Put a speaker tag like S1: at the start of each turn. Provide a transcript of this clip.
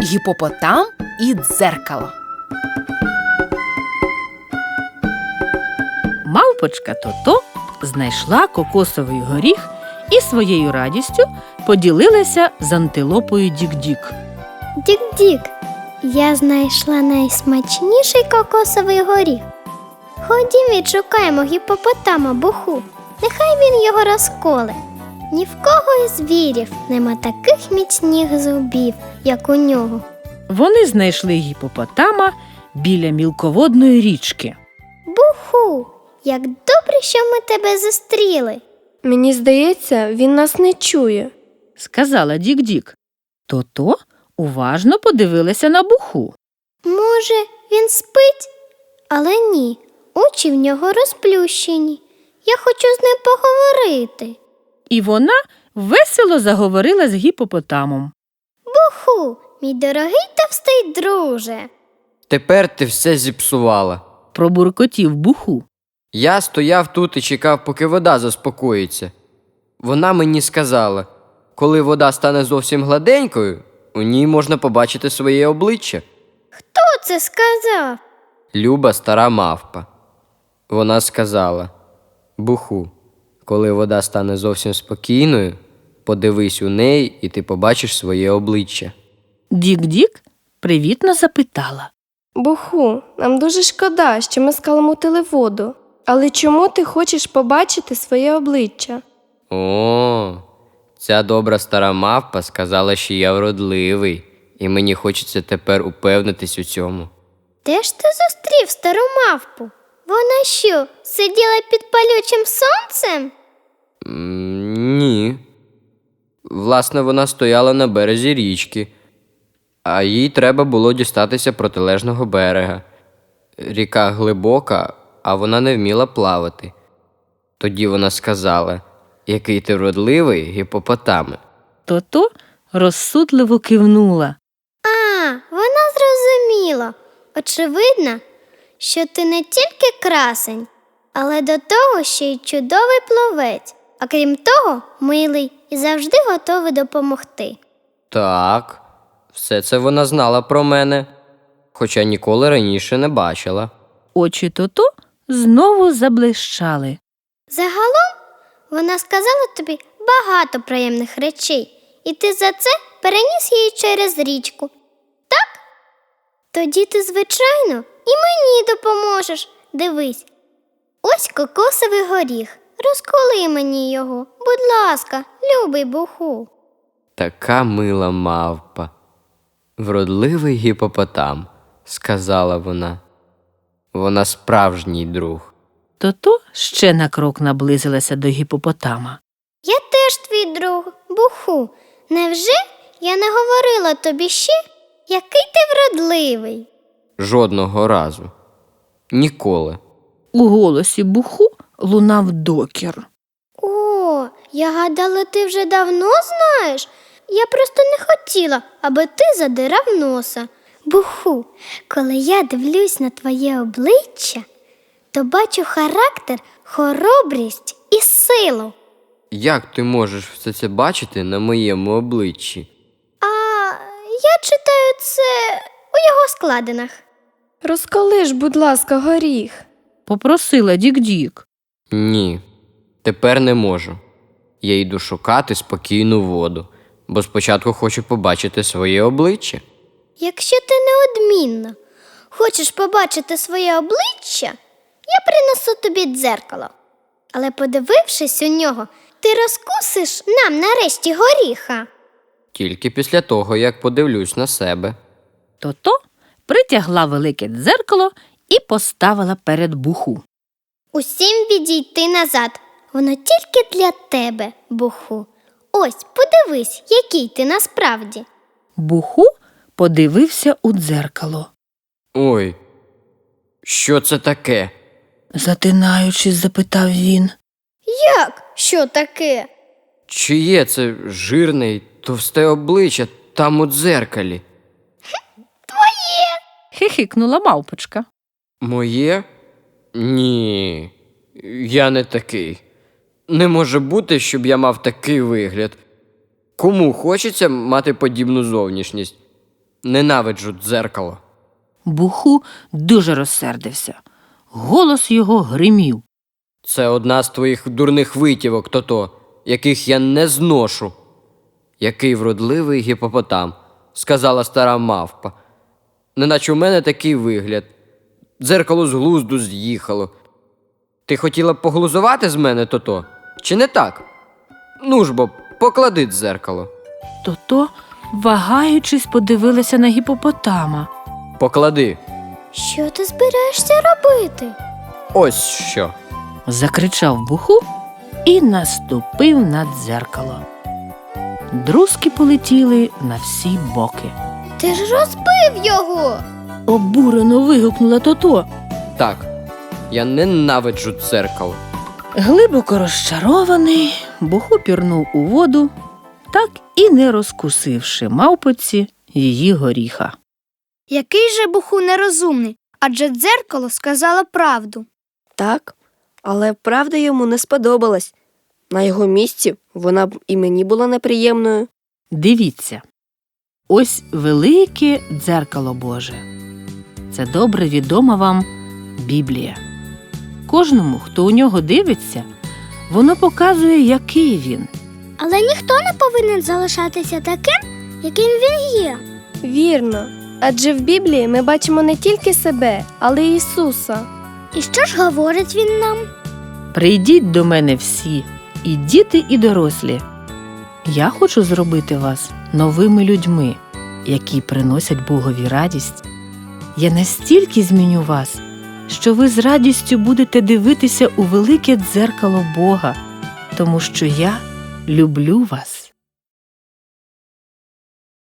S1: Гіпопотам і дзеркало. Мавпочка Тото знайшла кокосовий горіх і своєю радістю поділилася з антилопою Дік-Дік.
S2: Дік-Дік, я знайшла найсмачніший кокосовий горіх. Ходім відшукаємо гіпопотама Буху. Нехай він його розколе. Ні в кого із звірів нема таких міцних зубів, як у нього.
S1: Вони знайшли гіпопотама біля мілководної річки.
S2: Буху, як добре, що ми тебе зустріли.
S3: Мені здається, він нас не чує.
S1: Сказала Дік-Дік. Тото уважно подивилася на Буху.
S2: Може, він спить? Але ні, очі в нього розплющені. Я хочу з ним поговорити.
S1: І вона весело заговорила з гіпопотамом.
S2: Буху, мій дорогий товстий друже.
S4: Тепер ти все зіпсувала.
S1: Пробуркотів Буху.
S4: Я стояв тут і чекав, поки вода заспокоїться. Вона мені сказала, коли вода стане зовсім гладенькою, у ній можна побачити своє обличчя.
S2: Хто це сказав?
S4: Люба стара мавпа. Вона сказала: Буху, коли вода стане зовсім спокійною, подивись у неї, і ти побачиш своє обличчя.
S1: Дік-Дік привітно запитала.
S3: Буху, нам дуже шкода, що ми скаламутили воду. Але чому ти хочеш побачити своє обличчя?
S4: О, ця добра стара мавпа сказала, що я вродливий, і мені хочеться тепер упевнитись у цьому.
S2: Де ж ти зустрів стару мавпу? Вона що, сиділа під палючим сонцем?
S4: Ні. Власне, вона стояла на березі річки, а їй треба було дістатися протилежного берега. Ріка глибока, а вона не вміла плавати. Тоді вона сказала: який ти вродливий, гіпопотаме.
S1: Тото розсудливо кивнула.
S2: А, вона зрозуміла. Очевидно, що ти не тільки красень, але до того ще й чудовий пловець, а крім того, милий і завжди готовий допомогти.
S4: Так, все це вона знала про мене, хоча ніколи раніше не бачила.
S1: Очі Тото знову заблищали.
S2: Загалом, вона сказала тобі багато приємних речей, і ти за це переніс її через річку. Так? Тоді ти, звичайно, і мені допоможеш. Дивись, ось кокосовий горіх. Розколи мені його, будь ласка, любий Буху.
S4: Така мила мавпа. Вродливий гіпопотам, сказала вона. Вона справжній друг.
S1: Тото ще на крок наблизилася до гіпопотама.
S2: Я теж твій друг, Буху. Невже я не говорила тобі ще, який ти вродливий?
S4: Жодного разу. Ніколи.
S1: У голосі Буху лунав докір.
S2: О, я гадала, ти вже давно знаєш. Я просто не хотіла, аби ти задирав носа. Буху, коли я дивлюсь на твоє обличчя, то бачу характер, хоробрість і силу.
S4: Як ти можеш все це бачити на моєму обличчі?
S2: А я читаю це у його складинах.
S3: Розколи ж, будь ласка, горіх.
S1: Попросила Дік-Дік.
S4: Ні, тепер не можу. Я йду шукати спокійну воду, бо спочатку хочу побачити своє обличчя.
S2: Якщо ти неодмінно хочеш побачити своє обличчя, я принесу тобі дзеркало. Але подивившись у нього, ти розкусиш нам нарешті горіха.
S4: Тільки після того, як подивлюсь на себе.
S1: Тото притягла велике дзеркало і поставила перед Буху.
S2: Усім відійти назад. Воно тільки для тебе, Буху. Ось, подивись, який ти насправді.
S1: Буху подивився у дзеркало.
S4: Ой, що це таке?
S1: Затинаючись, запитав він.
S2: Як? Що таке?
S4: Чиє це жирне й товсте обличчя там у дзеркалі?
S1: Хихикнула мавпочка.
S4: Моє? Ні, я не такий. Не може бути, щоб я мав такий вигляд. Кому хочеться мати подібну зовнішність? Ненавиджу дзеркало.
S1: Буху дуже розсердився. Голос його гримів.
S4: Це одна з твоїх дурних витівок, Тото, яких я не зношу. Який вродливий гіпопотам, сказала стара мавпа. Неначе у мене такий вигляд. Дзеркало з глузду з'їхало. Ти хотіла б поглузувати з мене, Тото? Чи не так? Ну ж бо, поклади дзеркало.
S1: Тото, вагаючись, подивилася на гіпопотама.
S4: Поклади.
S2: Що ти збираєшся робити?
S4: Ось що.
S1: Закричав Буху і наступив на дзеркало. Друзки полетіли на всі боки.
S2: Ти ж розбив його.
S1: Обурено вигукнула Тото.
S4: Так, я ненавиджу дзеркало.
S1: Глибоко розчарований, Буху пірнув у воду, так і не розкусивши мавпоці її горіха.
S5: Який же Буху нерозумний, адже дзеркало сказало правду.
S3: Так, але правда йому не сподобалась. На його місці вона б і мені була неприємною.
S1: Дивіться, ось велике дзеркало Боже. Це добре відома вам Біблія. Кожному, хто у нього дивиться, воно показує, який він.
S2: Але ніхто не повинен залишатися таким, яким він є.
S3: Вірно. Адже в Біблії ми бачимо не тільки себе, але й Ісуса.
S2: І що ж говорить він нам?
S1: Прийдіть до мене всі, і діти, і дорослі. Я хочу зробити вас новими людьми, які приносять Богові радість. Я настільки зміню вас, що ви з радістю будете дивитися у велике дзеркало Бога, тому що я люблю вас.